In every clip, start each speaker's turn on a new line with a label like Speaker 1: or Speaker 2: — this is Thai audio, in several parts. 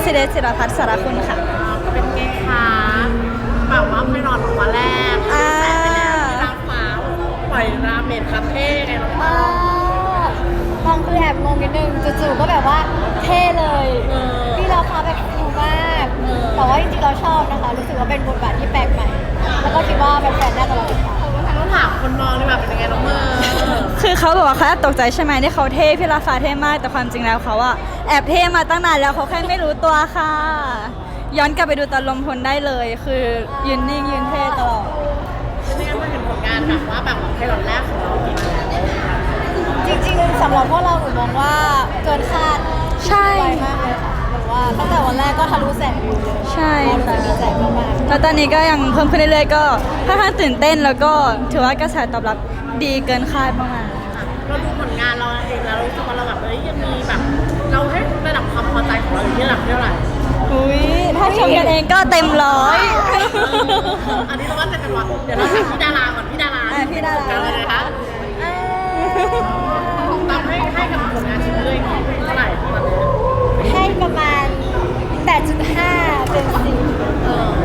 Speaker 1: ศิเดชศิรพัฒน์สารคุณค่ะ
Speaker 2: เป็นไงคะแบบว่าไม่นอนวันแรกแสบไปแล้วที่รักฟ้าปล่อยราเมนคาเฟ่ไงน้อง
Speaker 3: ตองคือแอบงงนิดนึงจู่ๆก็แบบว่าเท่เลยพี่เราพาแบบคูลมากแต่ว่าจริงๆเราชอบนะคะรู้สึกว่าเป็นบทบาทที่แปลกใหม่แล้วก็คิดว่าแฟนๆน่าจะรอติดตาม
Speaker 2: ต้องถามคนมองดีกว่าเป็นยังไงน้องเมย์
Speaker 1: คือเขาบอกว่าเขาแอบตกใจใช่ไหมที่เขาเท่พี่ราฟ้าเท่มากแต่ความจริงแล้วเขาอะแอบเท่มาตั้งนานแล้วเขาแค่ไม่รู้ตัวค่ะ ย้อนกลับไปดูตอนลมพลได้เลย คือยืนนิ่งยืนเท่ตลอด
Speaker 2: ไม่งั้นมาเห็นผลงานแบบว่าแบบไพลอตแรกของเราดีมาแล้ว
Speaker 3: จริงๆสำหรับพวกเราหนูมองว่าเกินคาด
Speaker 1: ใช่
Speaker 3: ไวมากเลยค่ะหรือว่าตั้งแต่วันแรกก็ทะลุแสนวิวเลย
Speaker 1: ใช่
Speaker 3: เรารู้สึ
Speaker 1: ค่ะ
Speaker 3: กดีใจมาก
Speaker 1: แล้วตอนนี้ก็ยังเพิ่มขึ้นเรื่อยๆก็ค่อนข้างตื่นเต้นแล้วก็ถือว่ากระแสตอบรับดีเกินคาดมากๆ
Speaker 2: เราดูผลงานเราเองแล้วรู้สึกว่าเราแบบยังมีแบบเราให้ระดับความพอใจของเราอยู่ที่ระดับเท่าไหร่
Speaker 1: อุ้ยถ้าชมกันเองก็เต็มร้อย
Speaker 2: อันนี้เราว่าจะเป็นวันเดี๋ยวเราถามพี่ดาราก่อนพี่ดารา
Speaker 1: พี่ดารา
Speaker 2: กันเลยนะคะตามให้กับผลงานชิ้นเลยเท่าไหร่ตอนนี้
Speaker 3: ๆให้ประมาณ 8.5 เป็น10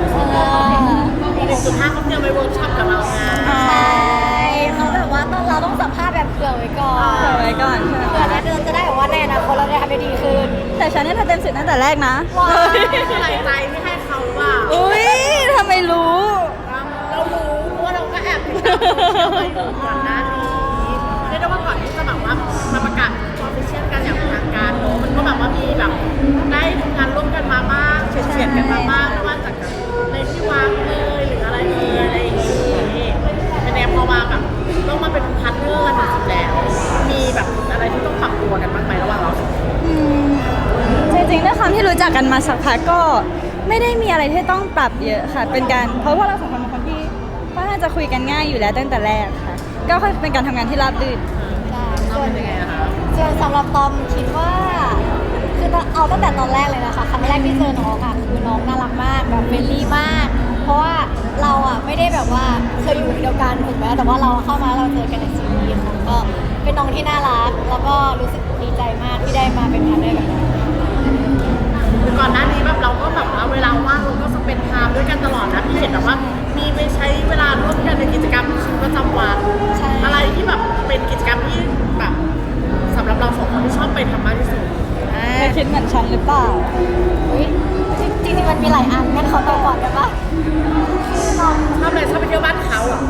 Speaker 2: 1.5เขาเตรียมไปเวิร์กช็อปกับเราไง
Speaker 3: ใช่เขาแบบว่าเราต้องสัมภาษณ์แบบเผื่อไว้ก่อน
Speaker 1: เผื่อไว้ก่อนใช่ไหม
Speaker 3: เผื่อนะเดือนจะได้แบบว่าในอนาคตเราจะทำได้ดีขึ้น
Speaker 1: แต่ฉันเนี่ยทำเต็มสิบตั้งแต่แรกนะ
Speaker 3: ว้าว
Speaker 2: ใส่ใจที่ให้เขาว่า
Speaker 1: อุ้ยทำไมรู้
Speaker 2: เรารู้เพราะว่าเราก็แอบติดตามโซเชียลมาอยู่ก่อนหน้านี้เรียกได้ว่าก่อนที่จะแบบว่ามาประกาศออฟฟิเชียลกันอย่างเป็นทางการเนอะมันก็แบบว่ามีแบบได้ทำงานร่วมกันมาบ้างเฉียดๆกันมาบ้างไม่ว่าจากในที่วางเลยหรืออะไรอะไรอย่างนี้เป็นแนวพอมาแบบต้องมาเป็นพาร์ทเนอร์กันจริงๆแล้วมีแบบอะไรที่ต้องปรับตัวกันบ้างไหมระหว่างเราสองคน
Speaker 1: จริงๆด้วยความที่รู้จักกันมาสักพักก็ไม่ได้มีอะไรที่ต้องปรับเยอะค่ะ เป็นการเพราะว่าเราสองคนเป็นคนที่ค่อนข้างจะคุยกันง่ายอยู่แล้วตั้งแต่แรกค่ะ ก็ค่อยเป็นการทำงานที่ราบรื่น
Speaker 2: เราเป็นยังไงอะคะ
Speaker 3: ส่วนสำหรับตอมคิดว่าคือเอาตั้งแต่ตอนแรกเลยนะคะครั้งแรกที่เจอน้องอะคือน้องน่ารักมากแบบเฟรนลี่มาก เพราะว่าเราอะไม่ได้แบบว่าเคยอยู่เดียวกันถูกไหมแต่ว่าเราเข้ามาเราเจอกันในซีรีส์ค่ะก็เป็นน้องที่น่ารักแล้วก็รู้สึกดีใจมากที่ได้มาเป็นพาร์ทเนอร์กับน้อง
Speaker 2: ก่อนหน้านี้แบบเราก็แบบว่าเวลาว่างเราก็สเปนไทม์ด้วยกันตลอดนะพี่เห็นแบบว่ามีไปใช้เวลาร่วมกันในกิจกรรมชีวิตประจำวัน
Speaker 3: ใช่
Speaker 2: อะไรที่แบบเป็นกิจกรรมที่แบบสำหรับเราสองคนที่ชอบไปทำมากที่สุด
Speaker 1: ไม่คิดเหมือนฉันหรือเปล่า
Speaker 3: อุ๊ยจริงๆมันมีหลายอันงั้นขอตอบก่อนได้ปะคือน้อง
Speaker 2: ชอบอะไรชอบไปเที่ยวบ้านเขาอ่ะ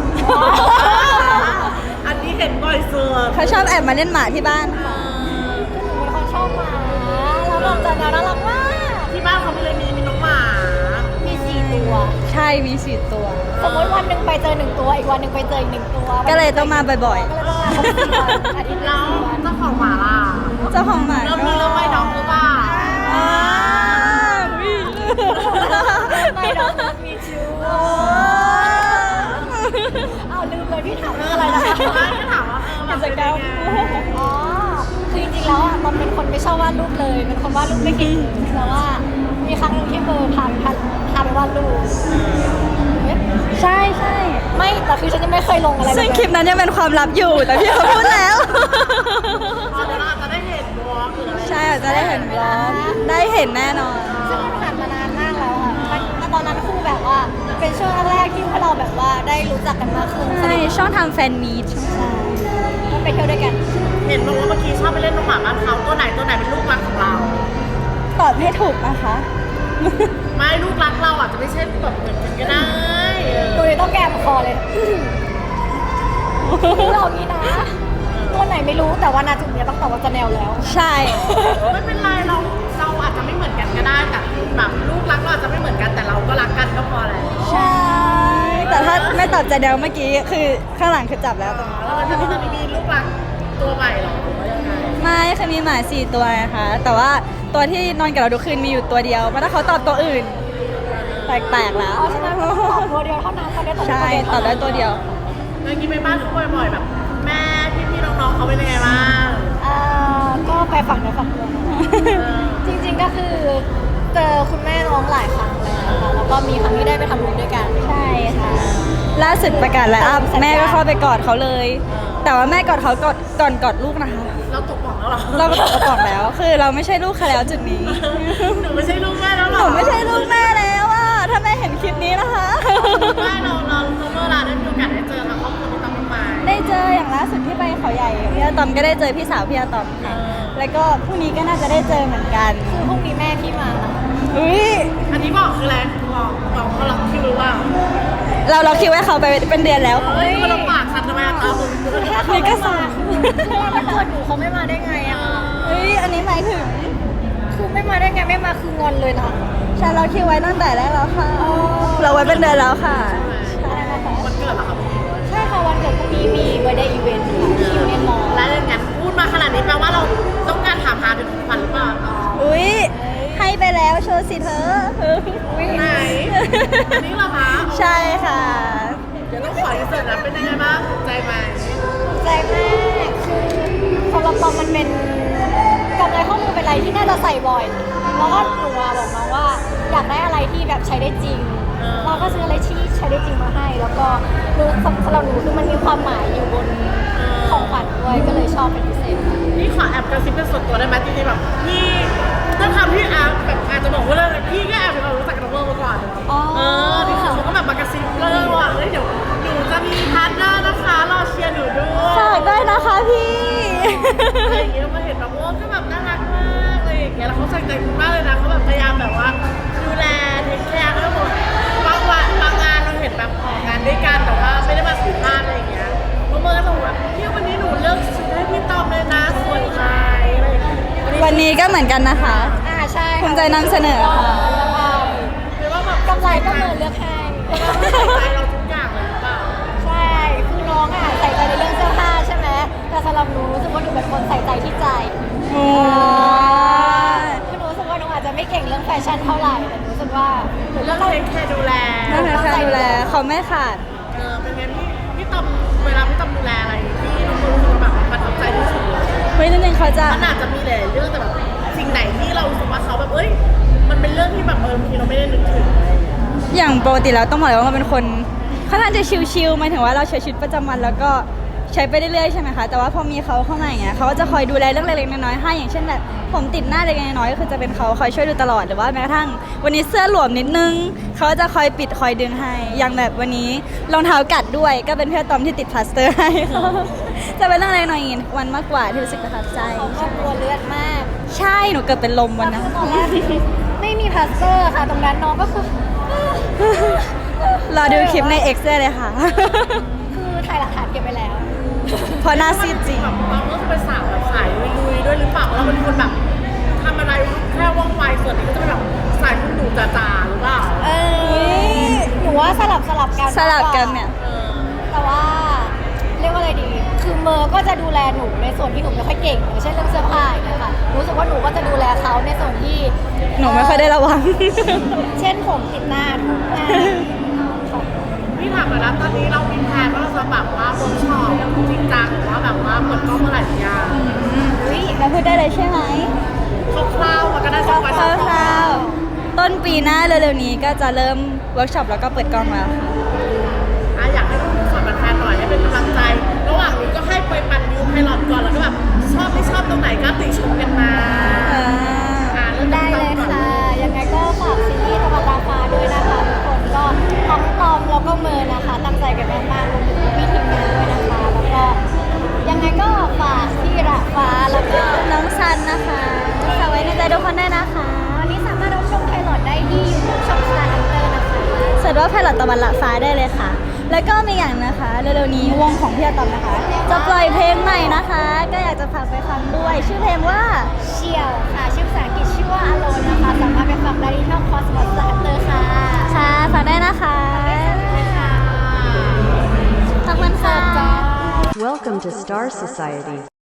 Speaker 2: อันนี้เห็นบ่อยสุด
Speaker 1: เขาชอบแอบมาเล่นหมาที่บ้าน
Speaker 3: เป็นคนชอบหมาแล้วน้องจะน่ารักมาก
Speaker 2: ที่บ้านเขาเลยมีน้องหมา
Speaker 3: มี4 ตัว
Speaker 1: ใช่มี4 ตัว
Speaker 3: สมมติวันหนึ่งไปเจอ1 ตัว อีกวันหนึ่งไปเจออีก1 ตัว
Speaker 1: ก็เลยต้องมาบ่อย
Speaker 3: ก็เลยต้องมาครบ4 วันอาทิตย์
Speaker 2: แล้ว
Speaker 3: ละ4 วัน
Speaker 2: เจ้าของหมาล่ะ
Speaker 1: ๆ เจ้าของหมา
Speaker 2: เริ่มมีเริ่มไม่น้องหรือเปล่า
Speaker 1: อ่าอุ๊ย
Speaker 3: ไม่น้องมีชู้เอาลืมเลยพี่ถามเรื่องอะไรนะคะ
Speaker 2: ไม่ก็ถามว่าแบบ
Speaker 1: กิจกรรม
Speaker 3: อ๋อ คือจริงๆแล้วอ่ะมันเป็นคนไม่ชอบวาดรูปเลย เป็นคนวาดรูปไม่เก่งแต่ว่ามีครั้งหนึ่งที่เบอร์พาไปวาดรูปเอ๊ะ
Speaker 1: ใช่ใช่
Speaker 3: ไม่แต่คือฉันยังไม่เคยลงอะไร
Speaker 1: ซึ่งคลิปนั้นยังเป็นความลับอยู่ แต่พี่เขาพูดแล้ว
Speaker 2: เดี๋ยวเราอาจจะได้เห็นวอล์กหรืออะไร
Speaker 1: ใช่อาจจะได้เห็นบล็อกได้เห็นแน่นอน
Speaker 3: ซึ่งมันผ่านมานานมากแล้วอ่ะมันตอนนั้นคือแบบว่า เป็นช่วงแรกๆที่พวกเราแบบว่าได้รู้จักกันมากขึ้น
Speaker 1: ใช่ช่องทำแฟนมีต
Speaker 3: ใช่ก็ไปเที่ยวด้วยกัน
Speaker 2: เห็นบอกว่าเมื่อกี้ชอบไปเล่นน้องหมาบ้านเขาตัวไหนเป็นลูกรักของเรา
Speaker 1: ตอบให้ถูกนะคะ
Speaker 2: ไม่ลูกรักเราอาจจะไม่ใช่แบบเหมือนกันก็ได้
Speaker 3: ดูเลยต้องแกมคอเลยเรางี้นะ ตัวไหนไม่รู้แต่ว่านาจุดเนี้ยต้องตอบว่าจะแนวแล้ว
Speaker 1: ใช่
Speaker 2: ไม่เป็นไรเราอาจจะไม่เหมือนกันก็ได้แต่แบบลูกรักเราอาจจะไม่เหมือนกันแต่เราก็รักกันก็พอแล้ว
Speaker 1: ใช่ แต่ถ้าไม่ตอบใจเดียวเมื่อกี้คือข้างหลังคือจับแล้วตรงนี้
Speaker 2: แล้วมันจะมีลูกรักตัวใหม่เหรอหรือว่ายังไง
Speaker 1: ไม่คือมีหมา4 ตัวนะคะแต่ว่าตัวที่นอนกับเราทุกคืนมีอยู่ตัวเดียวเพราะถ้าเขาตอบตัวอื่น แปลกๆแล้ว
Speaker 3: เพราะฉะนั้นตอบตัวเดียวเท่านั้นตอบได้ตัวเดียว
Speaker 1: ใช่ตอบได้ตัวเดียว
Speaker 2: เมื่อกี้ไปบ้านเขาบ่อยๆแบบ แม่พี่ๆน้องๆเขาเป็นยังไงบ้าง
Speaker 3: ก็ไปฝั่งในฝั่งตัวจริงๆก็คือเจอคุณแม่น้องหลายครั้งเลยนะคะแล้วก็มีครั้งที่ได้ไปทำบุญด้วยกัน
Speaker 1: ใช่ค่ะ ล่าสุดประกาศไลน์อัพแม่ก็เข้าไปกอดเขาเลยแต่ว่าแม่กอดเขาก่อนกอดลูกนะคะ
Speaker 2: เราตกหมองแล้วเหรอ
Speaker 1: เราก็ตกกระป๋องแล้ว คือเราไม่ใช่ลูกเขาแล้วจุดนี้
Speaker 2: หนูไม่ใช่ลูกแม่แล้วเหร
Speaker 1: ห
Speaker 2: อ
Speaker 1: นูไม่ใช่ลูกแม่แล้วอะถ้าแม่เห็นคลิปนี้นะคะ
Speaker 2: ไม่เราเมื่อเราได้มีโอกาสได้เจอทางครอบครัวพี่ตอมบ้างไหม
Speaker 1: ได้เจออย่างล่าสุดที่ไปเขาใหญ่พี่อาตอมก็ได้เจอพี่สาวพี่อาตอมค่ะ แล้วก็พรุ่งนี้ก็น่าจะได้เจอเหมือนกัน
Speaker 3: คือพรุ่งนี้แม่พี่มานะ
Speaker 1: อุ้ย
Speaker 2: อันนี้บอกคืออะไรบอกเขาหลักคิวหรือเปล่า
Speaker 1: เราคิดว่าเขาไปเป็นเดือนแล้วค่ะ
Speaker 2: เฮ้ยมันลำบากสัตว์ทำไมอะตาบุญ
Speaker 3: ถ้าเขาไม่มาคือวันเกิดหนูเขาไม่มาได้ไงอะ
Speaker 1: เฮ้ยอันนี้หมายถึง
Speaker 3: คือไม่มาได้ไงไม่มาคืองอนเลยนะ
Speaker 1: ใช่เราคิดไว้ตั้งแต่แรกแล้วค่ะ เราไว้เป็นเดือนแล้วค่ะ
Speaker 3: ใช่ค่ะ
Speaker 2: วันเกิดเหรอครับ
Speaker 3: ใช่ค่ะวันเกิดพรุ่งนี้มีเบอร์เดย์อีเวนต์ค่ะที่ยูเนียนมอลล์
Speaker 2: แล้วอย่างนั้นพูดมาขนาดนี้แปลว่าเราต้องการถามหาเป็นของขวัญหรือเปล่า
Speaker 1: อุ้ยให้ไปแล้วโชว์สิเธอ
Speaker 2: ไหนอันนี้เหรอคะ
Speaker 1: ใช่ค่ะ
Speaker 2: เดี๋ยวต้องขออินเสิร์ตนะเป็นยังไงบ้างถูกใจไหม
Speaker 3: ใจมากคือสำหรับปอมมันเป็นกำไรข้อมือเป็นอะไรที่น่าจะใส่บ่อยแล้วก็หนูอะบอกน้องว่าอยากได้อะไรที่แบบใช้ได้จริง เราก็ซื้ออะไรที่ใช้ได้จริงมาให้ แล้วก็รู้สำหรับหนูคือมันมีความหมายอยู่บนของขวัญด้วยก็เลยชอบเป็นพิเศษ
Speaker 2: นี่ขอแอบกระซิบเป็นส่วนตัวได้ไหมจริงๆแบบพี่ถ้าทำพี่อาแบบอาจจะบอกว่าเรื่องพี่ก็แอบเป็นคนรู้จักกับน้องเวิร์มาก่อน
Speaker 3: อ๋อ
Speaker 2: ที่เขาก็แบบมากระซิบเรื่องว่าเฮ้ยเดี๋ยวหนูจะมีพาร์ทเนอร์นะคะรอเชียร์หนูด้วย
Speaker 1: ฝากได้นะคะพี่
Speaker 2: อะไรอย่างเงี้ยมาเห็นแบบโอ้ก็แบบน่ารักมากอะไรอย่างเงี้ยแล้วเขาใส่ใจคุณมากเลยนะเขาแบบพยายามแบบว่าดูแลเทคแคร์เขาหมดบางวันบางงานเราเห็นแบบออกงานด้วยกันแต่ว่าไม่ได้มาสัมภาษณ์อะไรอย่างเงี้ยเมื่อก็บอกว่าพี่วันนี้หนูเลือกชุดให้พี่ตอมเลยนะสวยไหมอะไรอย่างเงี้ย
Speaker 1: วันนี้ก็เหมือนกันนะคะ
Speaker 3: ใช่
Speaker 1: ภูมิใจนำเสนอค่ะ
Speaker 2: หรือว่าแบบ
Speaker 3: กำไรก็เหมือนเลือกให้
Speaker 2: ใส่ใจเราทุกอย่างเลยหรือเปล่า
Speaker 3: ใช่ คือน้องอ่ะใส่ใจในเรื่องเสื้อผ้าใช่ไหม แต่สำหรับหนูรู้สึกว่าหนูเป็นคนใส่ใจที่ใจ
Speaker 1: โอ้ย
Speaker 3: คือหนูรู้สึกว่าหนูอาจจะไม่เก่งเรื่องแฟชั่นเท่าไหร่ แต่หนูรู้สึกว่าหนู
Speaker 2: เรื่
Speaker 3: เลื
Speaker 2: อ
Speaker 3: อง ก
Speaker 2: เทคแคร์ดูแล
Speaker 1: น่ารักค่ะดูแลเขาไม่ขาด
Speaker 2: เป็นไงพี่ตอมเวลาพี่ตอมดูแลอะไรที่น้องรู้สึกว่าแบบประทับใจที่สุดเลย
Speaker 1: เฮ้ยจริงๆเขาจะ
Speaker 2: มันอาจจะมีหลายเรื่องแต่แบบสิ่งไหนที่เรารู้สึกว่าเขาแบบเอ้ยมันเป็นเรื่องที่แบบบางทีเราไม่ได้นึกถึง
Speaker 1: อย่างปกติแล้วต้องบอกเลยว่ามันเป็นคนค่อนข้างจะชิลๆหมายถึงว่าเราใช้ชีวิตประจำวันแล้วก็ใช้ไปเรื่อยๆใช่ไหมคะแต่ว่าพอมีเขาเข้ามาอย่างเงี้ยเขาก็จะคอยดูแลเรื่องเล็กๆน้อยๆให้อย่างเช่นแบบผมติดหน้าเล็กๆน้อยๆก็คือจะเป็นเขาคอยช่วยดูตลอดหรือว่าแม้กระทั่งวันนี้เสื้อหลวมนิดนึงเขาก็จะคอยปิดคอยดึงให้อย่างแบบวันนี้รองเท้ากัดด้วยก็เป็นเพื่อนตอมที่ติดพลาสเตอร์ให้ จะเป็นเรื่องเล็กน้อยอย่างงี้วันมากกว่าที่รู้สึกประทับใจ
Speaker 3: เขาก็กลัวเลือดมาก
Speaker 1: ใช่หนูเกือบเป็นลมวัน
Speaker 3: แล้ว
Speaker 1: นั้น
Speaker 3: คือตอนแรกไม่มีพลาสเตอร์ค่ะ ตรงนั้นน้องก็คือ
Speaker 1: รอดูคลิปใน X ได้เลยค่ะ
Speaker 3: คือถ่ายหลักฐานเก็บไปแล้ว
Speaker 1: เพราะหน้าซีดจริง
Speaker 2: แบบเราก็คือเป็นสาวแบบสายลุยๆด้วยหรือเปล่าเราเป็นคนแบบทำอะไรแค่ว่องไวส่วนนี้ก็จะเป็นแบบสายคุณหนูจ๋าๆหรือเปล่า
Speaker 3: หนูว่าสลับกัน
Speaker 1: สลับกันเนี่ย
Speaker 3: แต่ว่าเรียกว่าอะไรดี คือเมอร์ก็จะดูแลหนูในส่วนที่หนูไม่ค่อยเก่งอย่างเช่นเรื่องเสื้อผ้าอย่างเงี้ยค่ะรู้สึกว่าหนูก็จะดูแลเขาในส่วนที่
Speaker 1: หนูไม่ค่อยได้ระวัง
Speaker 3: เช่นผมติดหน้าทุกงาน
Speaker 2: พี่ถามมาแล้วตอนนี้เรามีแผนว่าเราจะแบบว่าเวิร์กช็อปจริงจังหรือว่าแบบว่าเปิดกล้องเมื่อไหร่หรือยัง
Speaker 1: อุ๊ยเราพูดได้เลยใช่ไหม
Speaker 2: คร่าวๆมันก็ได้สักวัน
Speaker 1: คร่าวๆต้นปีหน้าเร็วๆนี้ก็จะเริ่มเวิร์กช็อปแล้วก็เปิดกล้องแล้วค่ะ
Speaker 2: อยากให้คุณสอนแฟนๆหน่อยให้เป็นกำลังใจ ระหว่างนี้ก็ให้ไปปั่นวิวไพลอตก่อนแล้วก็แบบชอบไม่ชอบตรงไหนก็ติชมกันมาเริ่ม
Speaker 3: ได้เลยค่ะ ยังไงก็ฝากซีรีส์ตะวันตาฟ้าด้วยนะคะทุกคนก็ทั้งตอมแล้วก็เมอร์นะคะตั้งใจกันมากๆรวมถึงพี่ทีมงานด้วยนะคะแล้วก็ยังไงก็ฝากพี่ระฟ้าแล้วก็
Speaker 1: น้องซันนะคะฝากไว้ในใจทุกคนได้นะคะ
Speaker 3: วันนี้สามารถรับชมไพลอตได้ที่ YouTube ช่อง Star Hunter นะคะ
Speaker 1: เสิร์ชว่าไพลอตตะวันละฟ้าได้เลยค่ะ แล้วก็มีอย่างนะคะเร็วๆนี้วงของพี่อาตอมนะคะ จะปล่อยเพลงใหม่นะคะ ก็อยากจะฝากไปฟังด้วย ชื่อเพลงว่า
Speaker 3: เชียวค่ะชื่อภาษาอังกฤษชื่อว่า Alone นะคะสามารถไปฟังได้ที่ช่อง Cosmos Star Hunter ค่ะ
Speaker 1: ค่ะฝากได้นะคะ
Speaker 3: ค่ะ
Speaker 1: ขอบคุณค่ะ
Speaker 4: Welcome to Star Society.